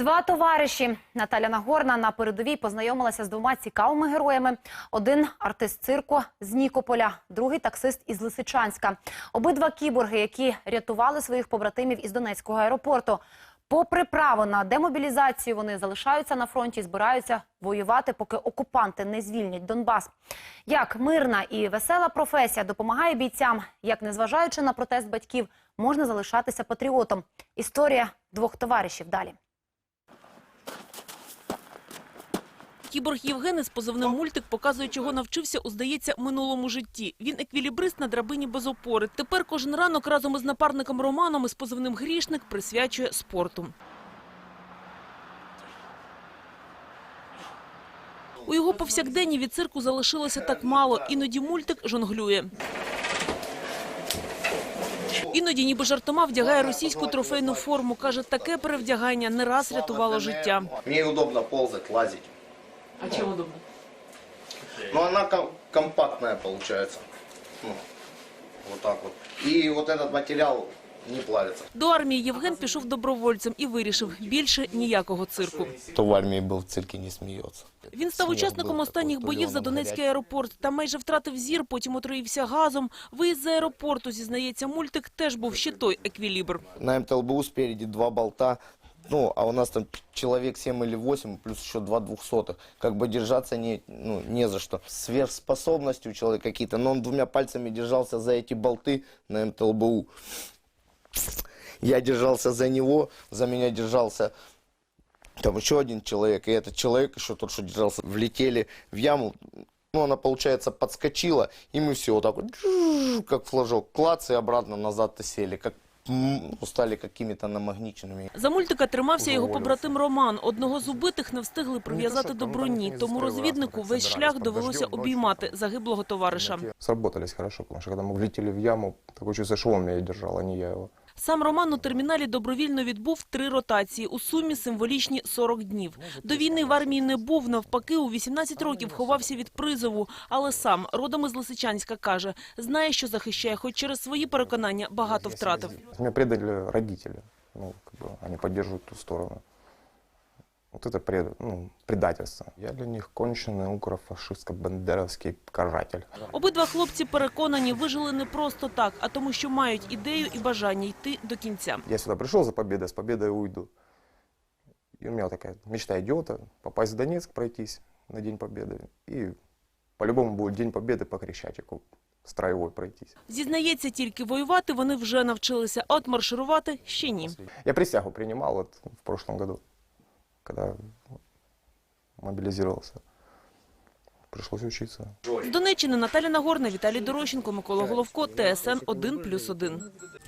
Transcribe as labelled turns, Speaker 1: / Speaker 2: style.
Speaker 1: Два товариші. Наталя Нагорна на передовій познайомилася з двома цікавими героями. Один – артист цирку з Нікополя, другий – таксист із Лисичанська. Обидва кіборги, які рятували своїх побратимів із Донецького аеропорту. Попри право на демобілізацію, вони залишаються на фронті і збираються воювати, поки окупанти не звільнять Донбас. Як мирна і весела професія допомагає бійцям, як, незважаючи на протест батьків, можна залишатися патріотом. Історія двох товаришів далі.
Speaker 2: Кіборг Євген із позивним «Мультик» показує, чого навчився у, здається, минулому житті. Він еквілібрист на драбині без опори. Тепер кожен ранок разом із напарником Романом із позивним «Грішник» присвячує спорту. У його повсякденні від цирку залишилося так мало. Іноді «Мультик» жонглює. Іноді ніби жартома вдягає російську трофейну форму. Каже, таке перевдягання не раз рятувало життя.
Speaker 3: Мені удобно ползати, лазити.
Speaker 2: А чому удобно?
Speaker 3: Ну, она компактная получается. Ну, вот так вот. И вот этот материал не плавится.
Speaker 2: До армії Євген пішов добровольцем і вирішив – більше ніякого цирку.
Speaker 4: Хто в армії був, в цирку не сміється.
Speaker 2: Він став учасником останніх боїв за Донецький аеропорт. Там майже втратив зір, потім отруївся газом. Виїзд з аеропорту, зізнається «Мультик», теж був ще той еквілібр.
Speaker 4: На МТЛБУ спереди два болта. Ну, а у нас там человек 7 или 8, плюс еще 2 двухсотых. Как бы держаться не за что. Сверхспособности у человека какие-то, но он двумя пальцами держался за эти болты на МТЛБУ. Я держался за него, за меня держался там еще один человек. И этот человек, еще тот, что держался, влетели в яму. Ну, она, получается, подскочила, и мы все вот так вот, как флажок, клац, и обратно назад сели, как стали какими-то намагніченими.
Speaker 2: За «Мультика» тримався його побратим Роман. Одного з убитих не встигли прив'язати до броні, тому розвіднику весь шлях довелося обіймати загиблого товариша.
Speaker 5: Сработались хорошо, потому что когда мы влетели в яму, такое чувство, что он меня держал, а не я его.
Speaker 2: Сам Роман у терміналі добровільно відбув 3 ротації, у сумі символічні 40 днів. До війни в армії не був, навпаки, у 18 років ховався від призову. Але сам, родом із Лисичанська, каже, знає, що захищає, хоч через свої переконання багато втратив.
Speaker 5: Меня предали родители, они поддерживают ту сторону. Вот это предательство. Я для них конченый укрофашистско-бандеровский каратель.
Speaker 2: Обидва хлопці переконані, вижили не просто так, а тому, що мають ідею і бажання йти до кінця.
Speaker 5: Я сюда пришел за победой, с победой уйду. И у меня вот такая мечта идиота – попасть в Донецк, пройтись на День Победы. И по-любому будет День Победы по Крещатику, строевой пройтись.
Speaker 2: Зізнається, тільки воювати вони вже навчилися, а от марширувати ще ні.
Speaker 5: Я присягу принимал в прошлом году, когда мобилизировался. Пришлось учиться.
Speaker 2: З Донеччини Наталя Нагорна, Віталій Дорощенко, Микола Головко, ТСН 1+1.